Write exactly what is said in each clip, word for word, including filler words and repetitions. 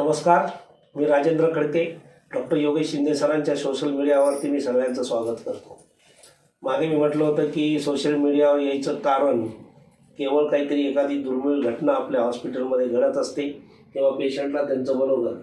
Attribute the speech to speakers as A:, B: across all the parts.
A: नमस्कार, मी राजेंद्र खडके. डॉक्टर योगेश शिंदे सरांच्या सोशल मीडियावरती मी सगळ्यांचं स्वागत करतो. मागे मी म्हटलं होतं की सोशल मीडियावर यायचं कारण केवळ काहीतरी एखादी दुर्मिळ घटना आपल्या हॉस्पिटलमध्ये घडत असते तेव्हा पेशंटला त्यांचं मनोगत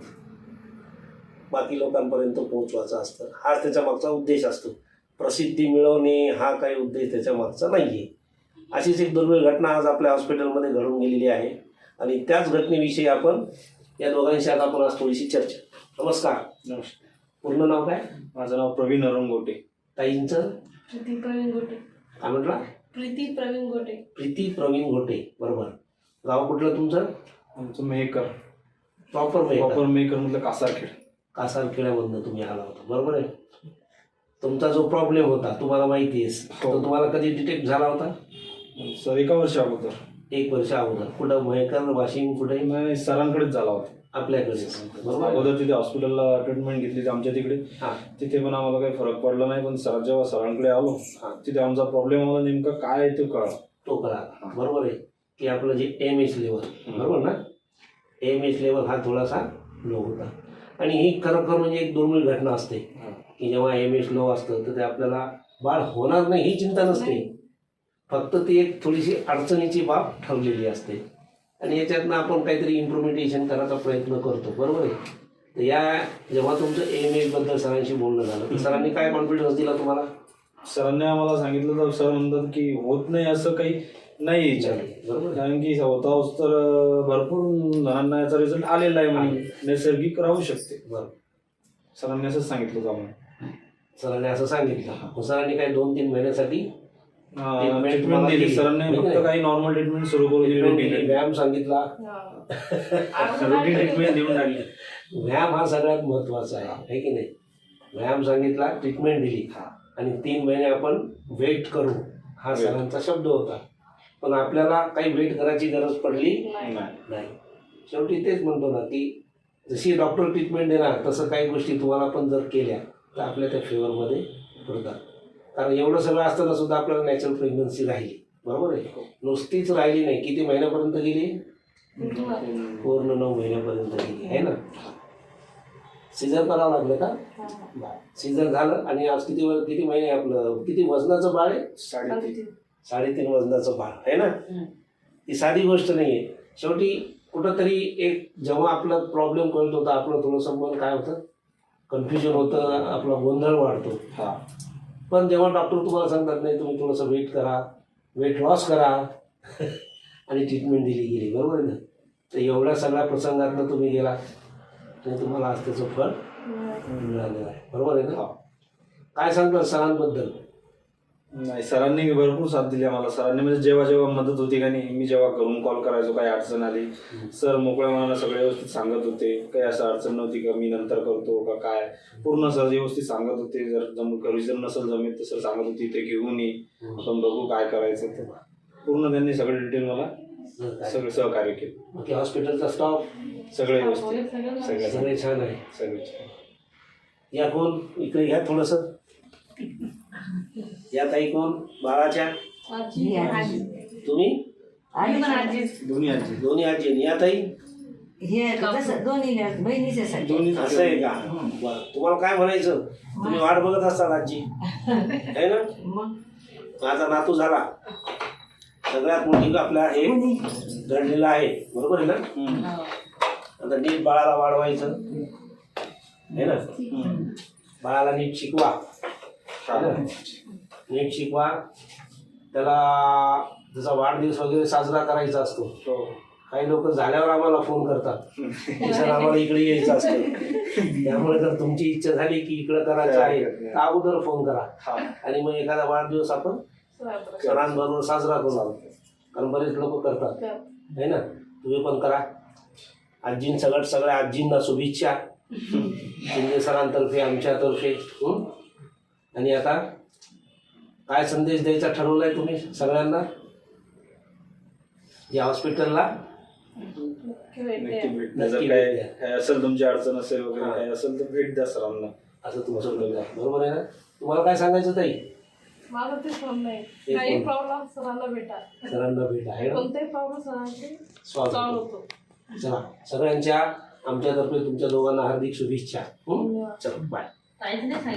A: बाकी लोकांपर्यंत पोहोचवायचं असतं. हाच त्याच्या मागचा उद्देश असतो. प्रसिद्धी मिळवणे हा काही उद्देश त्याच्या मागचा नाही आहे. अशीच एक दुर्मिळ घटना आज आपल्या हॉस्पिटलमध्ये घडून गेलेली आहे आणि त्याच घटनेविषयी आपण या दोघांशी आज आपण आज थोडीशी चर्चा. नमस्कार.
B: नमस्कार.
A: पूर्ण नाव काय?
B: माझं नाव प्रवीण अरुण गोटे.
A: ताईंचं?
C: प्रीती प्रवीण गोटे.
A: काय म्हटला?
C: प्रीती प्रवीण गोटे.
A: प्रीती प्रवीण गोटे. बरोबर. गाव कुठलं तुमचं?
B: आमचं मेहकर.
A: प्रॉपर मेहकर.
B: प्रॉपर मेहकर म्हटलं कासारखेड.
A: कासारखेड्यामधनं तुम्ही आला होता, बरोबर आहे. तुमचा जो प्रॉब्लेम होता तुम्हाला माहिती आहे,
B: हो.
A: तो तुम्हाला कधी डिटेक्ट झाला होता?
B: सर एका वर्षा अगोदर.
A: एक वर्ष अगोदर. कुठं? मेहकर, वाशिम, कुठे?
B: नाही, सरांकडेच झाला होता.
A: आपल्याकडे. बरोबर.
B: अगोदर तिथे हॉस्पिटलला ट्रीटमेंट घेतली आमच्या तिकडे.
A: हां.
B: तिथे पण आम्हाला काही फरक पडला नाही, पण सर जेव्हा सरांकडे आलो तिथे आमचा प्रॉब्लेम आला नेमका काय आहे तो कळला.
A: तो कळा. बरोबर आहे की आपलं जे एम एच लेवल, बरोबर ना, एम एच लेवल हा थोडासा लो होता. आणि ही खरोखर म्हणजे एक दुर्मिळ घटना असते की जेव्हा एम एच लो असतं तर ते आपल्याला बाळ होणार नाही ही चिंता नसते, फक्त ती एक थोडीशी अडचणीची बाब ठरलेली असते आणि याच्यातनं आपण काहीतरी इम्प्रुव्हमेंटेशन करायचा प्रयत्न करतो, बरोबर आहे. तर या जेव्हा तुमचं एम एचबद्दल सरांशी बोलणं झालं तर सरांनी काय कॉन्फिडन्स दिला तुम्हाला?
B: सरांनी आम्हाला सांगितलं तर सर म्हणतात की होत नाही असं काही नाही याच्यात,
A: बरोबर.
B: कारण की होता तर भरपूर जणांना याचा रिझल्ट आलेला आहे म्हणून नैसर्गिक राहू शकते.
A: बरोबर.
B: सरांनी असंच सांगितलं होतं आम्हाला.
A: सरांनी असं सांगितलं. सरांनी काही दोन तीन महिन्यासाठी
B: ट्रीटमेंट दिली. सरांनी फक्त काही नॉर्मल ट्रीटमेंट सुरू करून दिली.
A: व्यायाम सांगितला.
B: रुटीन ट्रीटमेंट देऊन टाकली.
A: व्यायाम हा सगळ्यात महत्वाचा आहे, है की नाही. व्यायाम सांगितला, ट्रीटमेंट दिली आणि तीन महिने आपण वेट करू हा सरांचा शब्द होता. पण आपल्याला काही वेट करायची गरज पडली नाही. शेवटी तेच म्हणतो ना की जशी डॉक्टर ट्रीटमेंट देणार तसं काही गोष्टी तुम्हाला पण जर केल्या तर आपल्या त्या फेवरमध्ये पडतात. कारण एवढं सगळं असताना सुद्धा आपल्याला नॅचरल प्रेग्नन्सी राहिली, बरोबर आहे. नुसतीच राहिली नाही, किती महिन्यापर्यंत गेली? पूर्ण नऊ महिन्यापर्यंत गेली, आहे ना. सीझर करावं लागलं का? सीझर झालं आणि आज किती किती महिने आपलं किती वजनाचं बाळ आहे?
B: साडेतीन
A: साडेतीन वजनाचं बाळ आहे ना. ती साधी गोष्ट नाही आहे. शेवटी कुठंतरी एक जेव्हा आपला प्रॉब्लेम कळत होता आपलं थोडंसं मन काय होतं, कन्फ्युजन होतं, आपला गोंधळ वाढतो.
B: हा.
A: पण जेव्हा डॉक्टर तुम्हाला सांगतात नाही तुम्ही थोडंसं वेट करा, वेट लॉस करा आणि ट्रीटमेंट दिली गेली, बरोबर आहे ना. तर एवढ्या सगळ्या प्रसंगातनं तुम्ही गेला आणि तुम्हाला आज त्याचं फळ मिळालेलं आहे, बरोबर आहे ना. काय सांगतात सरांबद्दल?
B: नाही, सरांनी भरपूर साथ दिली आम्हाला. सरांनी म्हणजे जेव्हा जेव्हा मदत होती का नाही, मी जेव्हा घरून कॉल करायचो काही अडचण आली, सर मोकळ्या मनानं सगळे व्यवस्थित सांगत होते. काही असं अडचण नव्हती का मी नंतर करतो का काय, पूर्ण सर व्यवस्थित सांगत होते. जर जम घरी जर नसेल जमेल तर सर सांगत होती ते घेऊन ये, आपण बघू काय करायचं. तर पूर्ण त्यांनी सगळे डिटेल मला सगळे सहकार्य केलं.
A: बाकी हॉस्पिटलचा स्टाफ
B: सगळे व्यवस्थित, सगळे
A: सगळे छान आहे.
B: सगळे छान.
A: या कोण इकडे घ्या थोडंसं. या ताई कोण? बाळाच्या तुम्ही
B: दोन्ही आजी.
A: दोन्ही आजी. या ताई
D: दोन्ही बहिणीचे
A: असं आहे का? बरं. तुम्हाला काय म्हणायचं? तुम्ही वाट बघत असताल आजी, आहे ना. माझा नातू झाला सगळ्यात मोठी आपल्या हे घडलेलं आहे, बरोबर आहे ना. आता नीट बाळाला वाढवायचं आहे ना, बाळाला नीट शिकवा, नीट शिकवा. त्याला जसा वाढदिवस वगैरे साजरा करायचा असतो, काही लोक झाल्यावर आम्हाला फोन करतात सर आम्हाला इकडे यायचं असतं. त्यामुळे जर तुमची इच्छा झाली की इकडं करायचं आहे तर अगोदर फोन करा आणि मग एखादा वाढदिवस आपण सणांबरोबर साजरा करू. कारण बरेच लोक करतात, आहे ना. तुम्ही पण करा. आजीं सगळ्यात सगळ्या आजींना शुभेच्छा शिंदे सरांतर्फे, आमच्यातर्फे. आणि आता काय संदेश द्यायचा ठरवलाय तुम्ही सगळ्यांना? या हॉस्पिटलला
B: नक्की भेट द्या. जर काय काय असेल तुमची अडचण असेल वगैरे काय असेल तर भेट द्या सरांना,
A: असं तुमचं बरोबर आहे ना. तुम्हाला काय सांगायचं ताई?
C: माझं तेच म्हणणं आहे, काही प्रॉब्लेम सरांना भेटा,
A: सरांना भेटा, आहे ना.
C: कोणताही प्रॉब्लेम सरांचे
A: सॉल्व्ह
C: सॉल्व्ह होतो.
A: चला, सगळ्यांच्या आमच्यातर्फे तुमच्या दोघांना हार्दिक शुभेच्छा. हं?
C: धन्यवाद.
A: चलो बाय.
E: काहीच नाही सांगितलं.